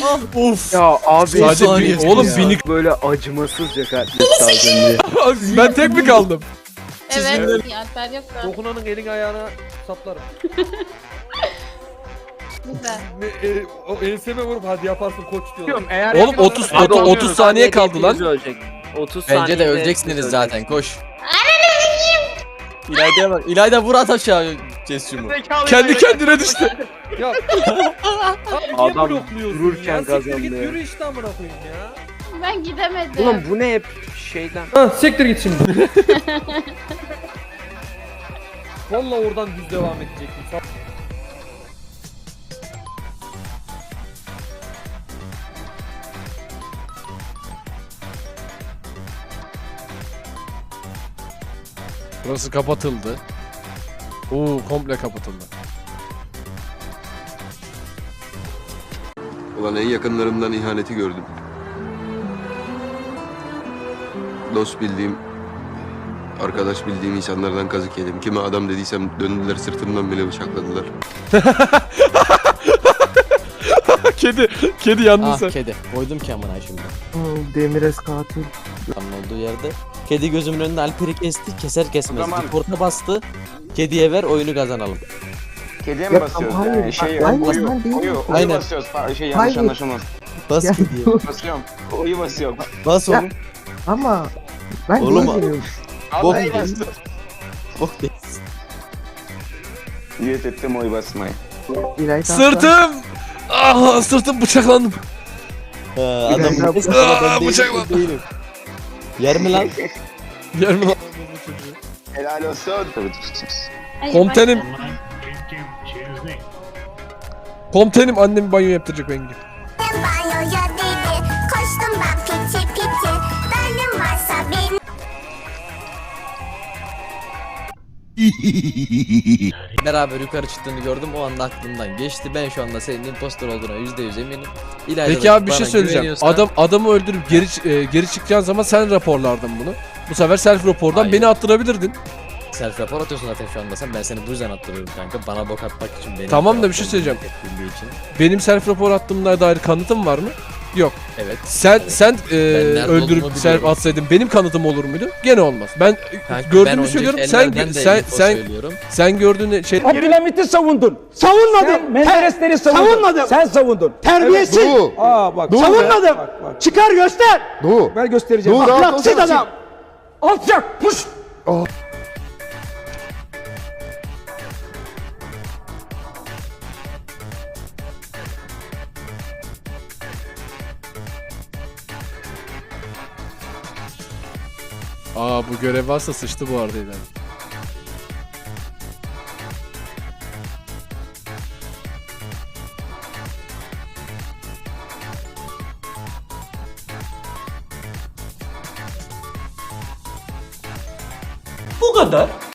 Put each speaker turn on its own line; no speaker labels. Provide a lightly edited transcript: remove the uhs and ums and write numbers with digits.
Of.
Ya abi
Sadece oğlum
ya.
binik.
Böyle acımasızca katletti az önce.
Ben tek mi kaldım?
Evet. Alper yok da.
Dokunanın elini ayağına saplarım.
Güzel.
O enseme vurup hadi yaparsın koç diyorlar.
Eğer
Oğlum 30 saniye kaldı lan.
30
Bence de
saniyede
öleceksiniz
hepimiz
zaten, koş. İlayda'ya bak. İlayda vur at aşağı Cesum'u.
Kendi kendine düştü.
Ya
Adam
adam blokluyorsun
dururken
ya? Siktir git
kazandı.
yürü işte amına koyayım ya.
Ben gidemedim.
Oğlum bu ne hep şeyden.
Ha siktir git şimdi. Vallahi oradan düz devam edecektim.
Burası kapatıldı. Komple kapatıldı.
Ulan en yakınlarımdan ihaneti gördüm. Dost bildiğim, arkadaş bildiğim insanlardan kazık yedim. Kime adam dediysem döndüler sırtımdan bile bıçakladılar.
Kedi yandın
Ah
sen.
kedi. Koydum ki amına şimdi.
Demirez katil.
Tam olduğu yerde. Kedi gözümün önünde Alper'i kesti. Keser kesmez. Report'a bastı. Kediye ver, oyunu kazanalım.
Kediye mi basıyoruz?
hayır,
Yani şey
hayır,
oyu,
ben değilim.
oyu
Aynen.
basıyoruz. Şey yanlış
Hayır.
anlaşılmaz.
Bas
Ya.
kediye.
Basıyorum. Oyu basıyorum.
Bas
Ya.
oğlum.
Ama ben
Oğlum,
değilim.
Bok
Vallahi
değil.
bastım.
Bok değil.
Niyet ettim oy basmayı.
İlayda
Sırtım! Ah sırtım bıçaklandım.
Ha,
İlayda-
adam ben
bıçakla.
değilim. Yer mi lan?
Yer mi lan?
Helal olsun. Tabii
Ay,
Komutanım.
bak-
Komutanım annem banyo yaptıracak benim gibi.
Banyoya dedi, koştum ben piti piti. Benim varsa benim.
Beraber yukarı çıktığını gördüm, o anda aklımdan geçti. Ben şu anda senin impostor olduğuna %100 eminim. İlayda
Peki
da
abi bir
bana
şey söyleyeceğim.
güveniyorsa-
Adamı öldürüp geri çıkacağın zaman sen raporlardın bunu. Bu sefer self rapordan
Hayır.
beni attırabilirdin.
Self rapor atıyorsun zaten şu anda sen. Ben seni bu yüzden attırıyorum kanka. Bana bok atmak için benim.
Tamam da bir şey söyleyeceğim.
Için.
Benim self rapor attığımla dair kanıtım var mı? Yok.
Evet.
Sen
Evet.
sen
nerede
öldürüp
olduğumu
self
biliyorum.
atsaydın benim kanıtım olur muydu? Gene olmaz. Ben
Kanka,
gördüğümü
önceki
söylüyorum.
ellerden de info
Sen
söylüyorum.
sen gördüğün şey
Abdülhamit'i savundun. Savunmadım. Menderesleri savundun. Savunmadım. Sen savundun. Terbiyesiz.
Doğu.
Aa bak.
Dur be.
Savunmadım. Çıkar göster.
Doğu.
Ben göstereceğim.
Dur, rahat
Ahlaksız
olsana.
adam. Alçak. Puş.
bu görev varsa sıçtı bu arada ileride.
Bu kadar.